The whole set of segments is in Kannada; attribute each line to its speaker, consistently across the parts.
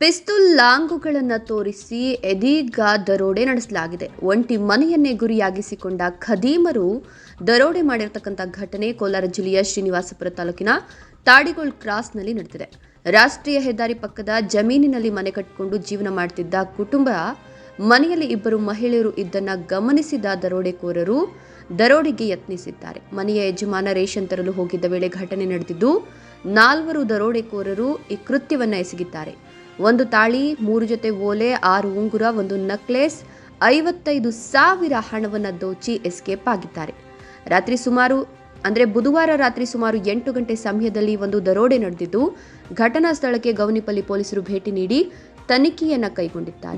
Speaker 1: ಪಿಸ್ತೂಲ್ ಲಾಂಗುಗಳನ್ನು ತೋರಿಸಿ ಇದೀಗ ದರೋಡೆ ನಡೆಸಲಾಗಿದೆ. ಒಂಟಿ ಮನೆಯನ್ನೇ ಗುರಿಯಾಗಿಸಿಕೊಂಡ ಖದೀಮರು ದರೋಡೆ ಮಾಡಿರತಕ್ಕಂಥ ಘಟನೆ ಕೋಲಾರ ಜಿಲ್ಲೆಯ ಶ್ರೀನಿವಾಸಪುರ ತಾಲೂಕಿನ ತಾಡಿಗೋಳ್ ಕ್ರಾಸ್ನಲ್ಲಿ ನಡೆದಿದೆ. ರಾಷ್ಟ್ರೀಯ ಹೆದ್ದಾರಿ ಪಕ್ಕದ ಜಮೀನಿನಲ್ಲಿ ಮನೆ ಕಟ್ಟಿಕೊಂಡು ಜೀವನ ಮಾಡುತ್ತಿದ್ದ ಕುಟುಂಬ ಮನೆಯಲ್ಲಿ ಇಬ್ಬರು ಮಹಿಳೆಯರು ಇದ್ದನ್ನ ಗಮನಿಸಿದ ದರೋಡೆಕೋರರು ದರೋಡೆಗೆ ಯತ್ನಿಸಿದ್ದಾರೆ. ಮನೆಯ ಯಜಮಾನ ರೇಷನ್ ತರಲು ಹೋಗಿದ್ದ ವೇಳೆ ಘಟನೆ ನಡೆದಿದ್ದು 4 ದರೋಡೆಕೋರರು ಈ ಕೃತ್ಯವನ್ನು ಎಸಗಿದ್ದಾರೆ. 1 ತಾಳಿ, 3 ಜೊತೆ ಓಲೆ, 6 ಉಂಗುರ, 1 ನೆಕ್ಲೆಸ್, 55,000 ಹಣವನ್ನು ದೋಚಿ ಎಸ್ಕೇಪ್ ಆಗಿದ್ದಾರೆ. ಬುಧವಾರ ರಾತ್ರಿ ಸುಮಾರು 8 ಗಂಟೆ ಸಮಯದಲ್ಲಿ ಒಂದು ದರೋಡೆ ನಡೆದಿದ್ದು, ಘಟನಾ ಸ್ಥಳಕ್ಕೆ ಗೌನಿಪಲ್ಲಿ ಪೊಲೀಸರು ಭೇಟಿ ನೀಡಿ ತನಿಖೆಯನ್ನ ಕೈಗೊಂಡಿದ್ದಾರೆ.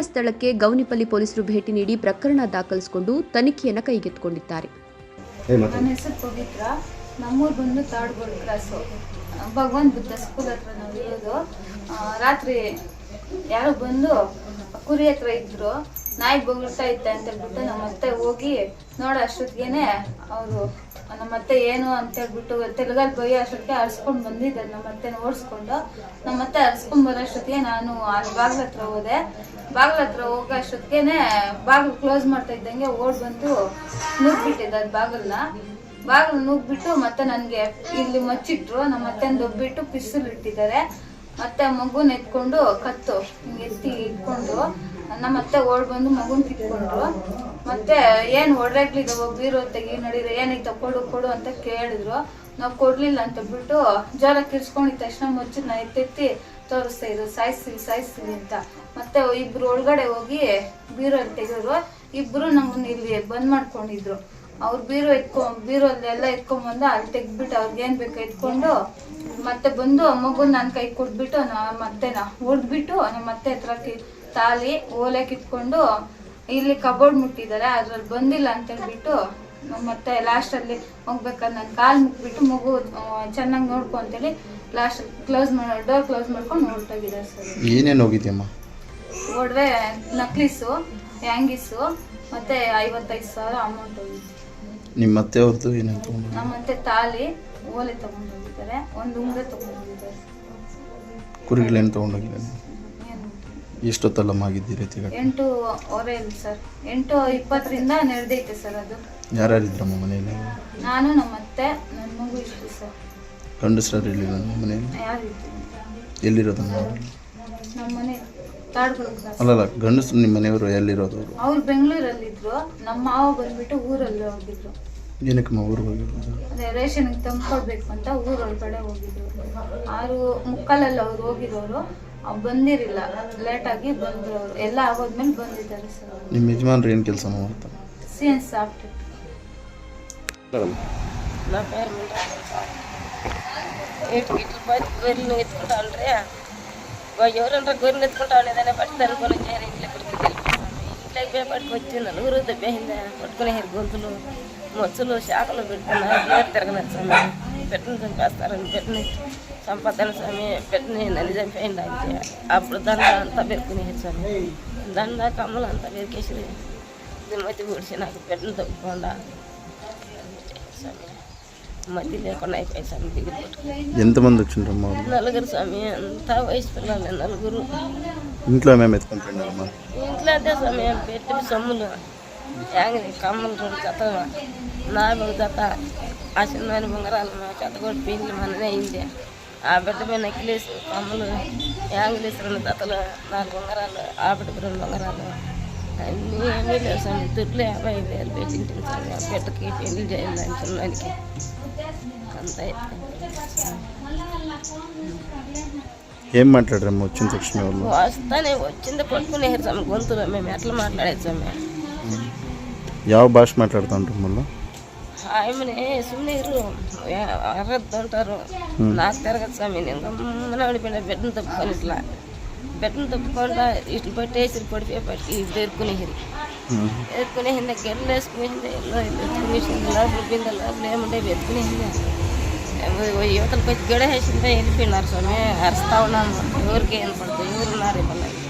Speaker 1: ಪ್ರಕರಣ ದಾಖಲಿಸಿಕೊಂಡು ತನಿಖೆಯನ್ನ ಕೈಗೆತ್ತಿಕೊಂಡಿದ್ದಾರೆ.
Speaker 2: ನನ್ನ ಹೆಸರು ಪವಿತ್ರ. ನಮ್ಮೂರು ಬಂದು ತಾಡ್ಗೋಳ್ ಕ್ರಾಸು, ಭಗವಾನ್ ಬುದ್ಧ ಸ್ಕೂಲ್ ಹತ್ರ ನಾವು ಇರೋದು. ರಾತ್ರಿ ಯಾರೋ ಬಂದು ಕುರಿ ಹತ್ರ ಇದ್ರು, ನಾಯಿ ಬೊಗಳ್ತಾ ಇತ್ತೆ ಅಂತ ಹೇಳ್ಬಿಟ್ಟು ನಮ್ಮತ್ತೆ ಹೋಗಿ ನೋಡೋ ಅಷ್ಟೊತ್ತಿಗೆ ಅವರು ನಮ್ಮತ್ತೆ ಏನು ಅಂತ ಹೇಳ್ಬಿಟ್ಟು ತೆಲುಗಲ್ಲಿ ಬೈಯೋ ಅಷ್ಟೊತ್ತಿಗೆ ಅರ್ಸ್ಕೊಂಡು ಬಂದಿದ್ದಾರೆ. ನಮ್ಮತ್ತೆನ ಓಡಿಸ್ಕೊಂಡು ನಮ್ಮತ್ತೆ ಅರ್ಸ್ಕೊಂಡ್ ಬರೋ ಅಷ್ಟೊತ್ತಿಗೆ ನಾನು ಅಲ್ಲಿ ಬಾಗ್ಲ ಹತ್ರ ಹೋದೆ. ಬಾಗ್ಲ ಹತ್ರ ಹೋಗೋ ಅಷ್ಟೊತ್ತಿಗೆ ಬಾಗಿಲು ಕ್ಲೋಸ್ ಮಾಡ್ತಾ ಇದ್ದಂಗೆ ಓಡ್ ಬಂದು ನುಗ್ಬಿಟ್ಟಿದ್ದೆ ಅದು ಬಾಗಿಲು ನುಗ್ಬಿಟ್ಟು ಮತ್ತೆ ನನಗೆ ಇಲ್ಲಿ ಮಚ್ಚಿಟ್ರು. ನಮ್ಮ ಅತ್ತೆನ ದೊಬ್ಬಿಟ್ಟು ಪಿಸ್ತೂಲ್ ಇಟ್ಟಿದ್ದಾರೆ. ಮತ್ತೆ ಮಗುನ ಎತ್ಕೊಂಡು ಕತ್ತು ಎತ್ತಿ ಇಟ್ಕೊಂಡು ನಮ್ಮ ಅತ್ತೆ ಓಡ್ ಬಂದು ಮಗುನ್ ಕಿತ್ಕೊಂಡ್ರು. ಮತ್ತೆ ಏನ್ ಒಡ್ರಾಗ್ಲಿದ್ದಾವ ಬೀರೋ ತೆಗಿ ನಡೀರ ಏನೈತ ಕೊಡು ಅಂತ ಕೇಳಿದ್ರು. ನಾವು ಕೊಡ್ಲಿಲ್ಲ ಅಂತ ಬಿಟ್ಟು ಜ್ವರ ಕಿರ್ಸ್ಕೊಂಡಿದ ತಕ್ಷಣ ಮುಚ್ಚಿನ ಎತ್ತೆತ್ತಿ ತೋರಿಸ್ತಾ ಇದ್ರು, ಸಾಯಿಸ್ತೀವಿ ಅಂತ. ಮತ್ತೆ ಇಬ್ರು ಒಳಗಡೆ ಹೋಗಿ ಬೀರೋ ತೆಗೆದ್ರು. ಇಬ್ರು ನಮ್ಮನ್ನ ಇಲ್ಲಿ ಬಂದ್ ಮಾಡ್ಕೊಂಡಿದ್ರು. ಅವ್ರು ಬೀರೋಲ್ಲೆಲ್ಲ ಎತ್ಕೊಂಡ್ಬಂದು ಅಲ್ಲಿ ತೆಗ್ದ್ಬಿಟ್ಟು ಅವ್ರಿಗೆ ಏನ್ ಬೇಕು ಎತ್ಕೊಂಡು ಮತ್ತೆ ಬಂದು ಮಗುನ್ ನನ್ನ ಕೈ ಕೊಟ್ಬಿಟ್ಟು ಮತ್ತೆನ ಹೊಡ್ಬಿಟ್ಟು ನಮ್ಮ ಅತ್ತೆ ಹತ್ರ ತಾಲಿ ಓಲೆ ಕಿತ್ಕೊಂಡು ಇಲ್ಲಿ ಕಬೋರ್ಡ್ ಮುಟ್ಟಿದ್ದಾರೆ. ಅದ್ರಲ್ಲಿ ಬಂದಿಲ್ಲ ಅಂತ ಹೇಳ್ಬಿಟ್ಟು ಮತ್ತೆ ಲಾಸ್ಟ್ ಅಲ್ಲಿ ಹೋಗ್ಬೇಕಾದ್ರೆ ನನ್ನ ಕಾಲ್ ಮುಟ್ಬಿಟ್ಟು ಮಗು ಚೆನ್ನಾಗಿ ನೋಡ್ಕೊ ಅಂತೇಳಿ ಲಾಸ್ಟ್ ಡೋರ್ ಕ್ಲೋಸ್ ಮಾಡ್ಕೊಂಡು ಹೊರಟೋಗಿದ್ದಾರೆ ಸರ್.
Speaker 3: ಏನೇನು ಹೋಗಿದ್ಯಮ್ಮ?
Speaker 2: ಒಡವೆ, ನಕ್ಲಿಸು, ಹ್ಯಾಂಗಿಸು ಮತ್ತೆ 55,000 ಅಮೌಂಟ್ ಹೋಗಿತ್ತು.
Speaker 3: ನಿಮ್ಮ ಅತ್ತೆ ಅವ್ರದ್ದು ಏನೇನು ತಗೊಂಡು?
Speaker 2: ನಮ್ಮ ಅತ್ತೆ ತಾಲಿ ಓಲೆ ತಗೊಂಡು ಹೋಗಿದ್ದಾರೆ, 1 ಉಂಗ್ರೆ ತಗೊಂಡು ಹೋಗಿದ್ದಾರೆ.
Speaker 3: ಕುರಿಗಳೇನು ತಗೊಂಡೋಗಿದ್ದಾರೆ? ಎಷ್ಟೊತ್ತಲ್ಲಮ್ಮ ಆಗಿದ್ದೀರಿ?
Speaker 2: 8:15 ಸರ್. 8:20ರಿಂದ ನಡೆದೈತೆ ಸರ್ ಅದು.
Speaker 3: ಯಾರ್ಯಾರಿದ್ರಮ್ಮ ಮನೆಯಲ್ಲಿ?
Speaker 2: ನಾನು, ನಮ್ಮ ಅತ್ತೆ, ನನ್ನ ಮಗು ಇಷ್ಟು ಸರ್.
Speaker 3: ಗಂಡಸರು ಎಲ್ಲಿರೋ ನಿಮ್ಮ ಮನೆಯಲ್ಲಿ?
Speaker 2: ಯಾರಿತ್ತು?
Speaker 3: ಎಲ್ಲಿರೋದು
Speaker 2: ನಮ್ಮ ಮನೆ ತಾಡ್ಗೋಳ್ ಕ್ರಾಸ್.
Speaker 3: ಅಲ್ಲಲ್ಲ, ಗಂಡಸರು ನಿಮ್ಮ ಮನೆಯವರು ಎಲ್ಲಿರೋದು? ಅವರು
Speaker 2: ಬೆಂಗಳೂರಲ್ಲಿದ್ರು. ನಮ್ಮ ಮಾವ ಬಂದ್ಬಿಟ್ಟು ಊರಲ್ಲಿ ಹೋಗಿದ್ರು.
Speaker 3: ಏನಕ್ಕಮ್ಮ ಊರಿಗೆ ಹೋಗಿರೋದು?
Speaker 2: ಅದೇ ರೇಷನ್ಗೆ ತಂದ್ಕೊಡ್ಬೇಕು ಅಂತ ಊರೊಳಗಡೆ ಹೋಗಿದ್ರು. 6:45 ಅವ್ರು ಹೋಗಿರೋರು, ಬಂದಿರಲಿಲ್ಲ, ಲೇಟಾಗಿ ಬಂದ್ರು. ಅವರು ಎಲ್ಲ ಆಗೋದ್ಮೇಲೆ ಬಂದಿದ್ದಾರೆ ಸರ್.
Speaker 3: ನಿಮ್ಮ ಯಜಮಾನ್ರು ಏನು ಕೆಲಸ ಮಾಡ್ತಾರೆ?
Speaker 2: CN soft.
Speaker 4: నా పేరు ఇట్లు పది గొర్రెలు ఎత్తుకుంటాండ్రే, ఎవరంటే గొర్రెలు ఎత్తుకుంటాను ఏదైనా పట్టి తరుపుని చేరి ఇంట్లో ఇక్కడికి ఇంట్లోకి పట్టుకొచ్చి నలుగురు దెబ్బేసిందా పట్టుకునే గొంతులు మొచ్చులు శాఖలు పెట్టుకున్నారు. తిరగలేదు స్వామి, పెట్టిన చంపేస్తారని పెట్టిన సంపాదన స్వామి, పెట్టిన నల్లి చంపేయండి అంతే. అప్పుడు దండ అంతా పెరుకునేది స్వామి, దండ కమ్మలు అంతా పెరికేసి దిమ్మతి పొడిచి నాకు పెట్టిన తప్పకుండా స్వామి, మధ్య లేకుండా అయిపోయి స్వామి. దిగులు పట్టుకుని
Speaker 3: ఎంతమంది వచ్చిండ్రమ్మా?
Speaker 4: 4 స్వామి, అంతా వయసు పిల్లలు 4.
Speaker 3: ఇంట్లో మేము ఎత్తుకుంటున్నామమ్మా.
Speaker 4: ఇంట్లో అదే స్వామి పెట్టి సొమ్ములు యాంగిలి కమ్మలు 2 జత, నా 1 జత, ఆ చిన్న బొంగరాలు చెత్త కూడా పీన్లు మననే అయింది. ఆ బిడ్డ మీద నెక్లెస్, కమ్మలు, యాంగిలీస్ 2 జతలు, 4 బొంగరాలు, ఆ బిడ్డకు 2 బొంగరాలు, అన్నీ ఏమీ లేవు స్వామి. దుడ్లు 55,000 పెట్టింటాను స్వామి. ఆ బిడ్డకి పెళ్లి చేయాలని చిన్నానికి అంత.
Speaker 3: ఏం మాట్లాడారమ్మా వచ్చిన తక్షణ?
Speaker 4: వస్తానే వచ్చింది పట్టుకునేసారు స్వామి గొంతులో. మేము ఎట్లా మాట్లాడేది స్వామి?
Speaker 3: ಯಾವ భాష మాట్లాడుతూ ఉంటారు మళ్ళీ?
Speaker 4: ఆమెనే సున్నీరు అరద్దు అంటారు. నాకు తిరగదు స్వామి. నేను గమ్మన పడిపోయిన బిడ్డను తప్పుకొని బిడ్డను తప్పుకుండా ఇట్లు పట్టేసి పడిపోయి ఇప్పుడు ఎత్తుకునేసింది గెడ్లు వేసుకునేసింది, ఎత్తుకునేసింది, లోపల పిండి లోపల ఏముంటే ఎత్తుకునేసింది. యువతలకు వచ్చి గడ వేసిందే వెళ్ళిపోయినారు స్వామి. అరుస్తా ఉన్నాము, ఎవరికి ఏం పడుతుంది, ఎవరున్నారు ఇవ్వాలి.